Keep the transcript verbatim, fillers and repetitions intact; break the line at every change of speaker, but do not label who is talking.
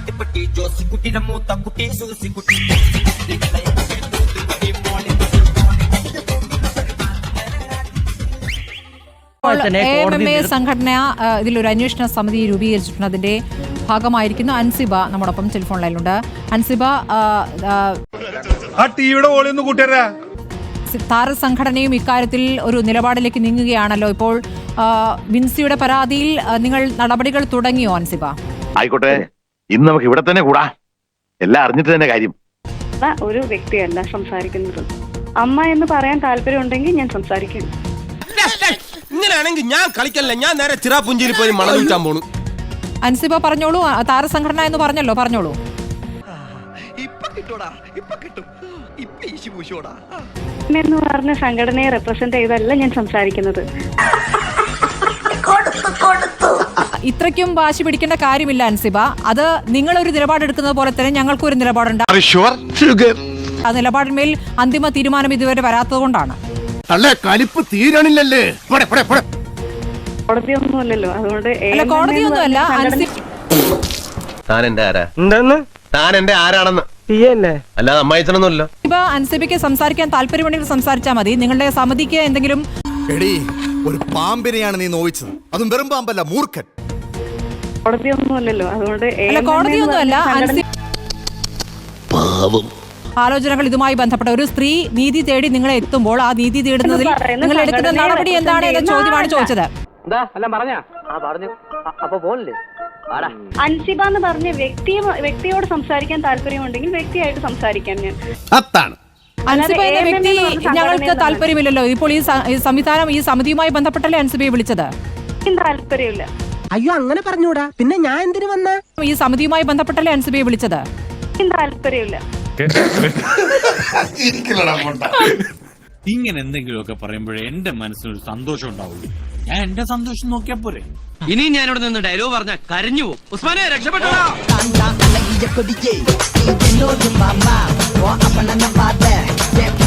സംഘടന ഇതിലൊരു അന്വേഷണ സമിതി രൂപീകരിച്ചിട്ടുണ്ട്. അതിന്റെ ഭാഗമായിരിക്കുന്നു അൻസിബ നമ്മോടൊപ്പം ടെലിഫോൺ ലൈനിലുണ്ട്. അൻസിബ, താരസംഘടനയും ഇക്കാര്യത്തിൽ ഒരു നിലപാടിലേക്ക് നീങ്ങുകയാണല്ലോ. ഇപ്പോൾ വിൻസിയുടെ പരാതിയിൽ നിങ്ങൾ നടപടികൾ തുടങ്ങിയോ അൻസിബ?
ആയിക്കോട്ടെ, ഇന്ന് നമുക്ക് ഇവിടെ തന്നെ കൂടാ, എല്ലാം അറിഞ്ഞിട്ട് തന്നെ കാര്യം.
ഒരു വ്യക്തിയല്ല സംസാരിക്കുന്നത്. അമ്മ എന്ന് പറയാൻ താല്പര്യം ഉണ്ടെങ്കിൽ ഞാൻ സംസാരിക്കും.
ഇങ്ങനെയാണെങ്കിൽ ഞാൻ കളിക്കല്ല, ഞാൻ നേരെ ചിറാപുഞ്ചിയിൽ പോയി മണം വിൽക്കാൻ പോണു.
അൻസിബ പറഞ്ഞോളൂ, താരസംഘടന എന്ന് പറഞ്ഞല്ലോ, പറഞ്ഞോളൂ.
എന്ന് പറഞ്ഞ സംഘടനയെ റെപ്രസെന്റ് ചെയ്തല്ല ഞാൻ സംസാരിക്കുന്നത്.
ഇത്രയ്ക്കും വാശി പിടിക്കേണ്ട കാര്യമില്ല അൻസിബ. അത് നിങ്ങളൊരു നിലപാടെടുക്കുന്നത് പോലെ തന്നെ ഞങ്ങൾക്കും ഒരു നിലപാടുണ്ട്. ആ നിലപാടിന്മേൽ അന്തിമ തീരുമാനം ഇതുവരെ വരാത്തത് കൊണ്ടാണ്.
കോടതിയൊന്നുമല്ലല്ലോ, അതുകൊണ്ട്
കോടതിയൊന്നുമല്ല. അൻസിബയ്ക്ക് സംസാരിക്കാൻ താല്പര്യമുണ്ടെങ്കിൽ സംസാരിച്ചാൽ മതി. നിങ്ങളുടെ സമിതിക്ക് എന്തെങ്കിലും
ഒരു പാമ്പിനെയാണ് നീ നോവിച്ചത്, അതും വെറും പാമ്പല്ല, മൂർഖൻ.
കോടതിയൊന്നുമല്ലല്ലോ, അതുകൊണ്ട്
കോടതിയൊന്നുമല്ല. ആലോചനകൾ ഇതുമായി ബന്ധപ്പെട്ട ഒരു സ്ത്രീ നീതി തേടി നിങ്ങളെ എത്തുമ്പോൾ ആ നീതി തേടുന്നതിൽ നിങ്ങൾ എടുക്കുന്ന നടപടി എന്താണ് എന്ന ചോദ്യമാണ് ചോദിച്ചത്.
അൻസിബ എന്ന് പറഞ്ഞ വ്യക്തി വ്യക്തിയോട് സംസാരിക്കാൻ താല്പര്യമുണ്ടെങ്കിൽ വ്യക്തിയായിട്ട് സംസാരിക്കാം ഞാൻ.
അൻസിബ എന്ന വ്യക്തി ഞങ്ങൾക്ക് താല്പര്യമില്ലല്ലോ. ഇപ്പോൾ ഈ സംവിധാനം ഈ സമിതിയുമായി ബന്ധപ്പെട്ടല്ലേ അൻസിബയെ വിളിച്ചത്?
താല്പര്യമില്ല.
അയ്യോ, അങ്ങനെ പറഞ്ഞൂടാ, പിന്നെ ഞാൻ എന്തിനു വന്ന?
ഈ സമിതിയുമായി ബന്ധപ്പെട്ടല്ലേ അൻസിബയെ വിളിച്ചത്?
താല്പര്യമില്ല.
ഇങ്ങനെ എന്തെങ്കിലുമൊക്കെ പറയുമ്പോഴേ എന്റെ മനസ്സിനൊരു സന്തോഷം ഉണ്ടാവുള്ളൂ. ഞാൻ എന്റെ സന്തോഷം നോക്കിയാ പോരെ.
ഇനി ഞാനിവിടെ നിന്ന് ഡയലോഗ് പറഞ്ഞ കരഞ്ഞു പോകും. ഉസ്മാനെ രക്ഷപ്പെട്ടോ.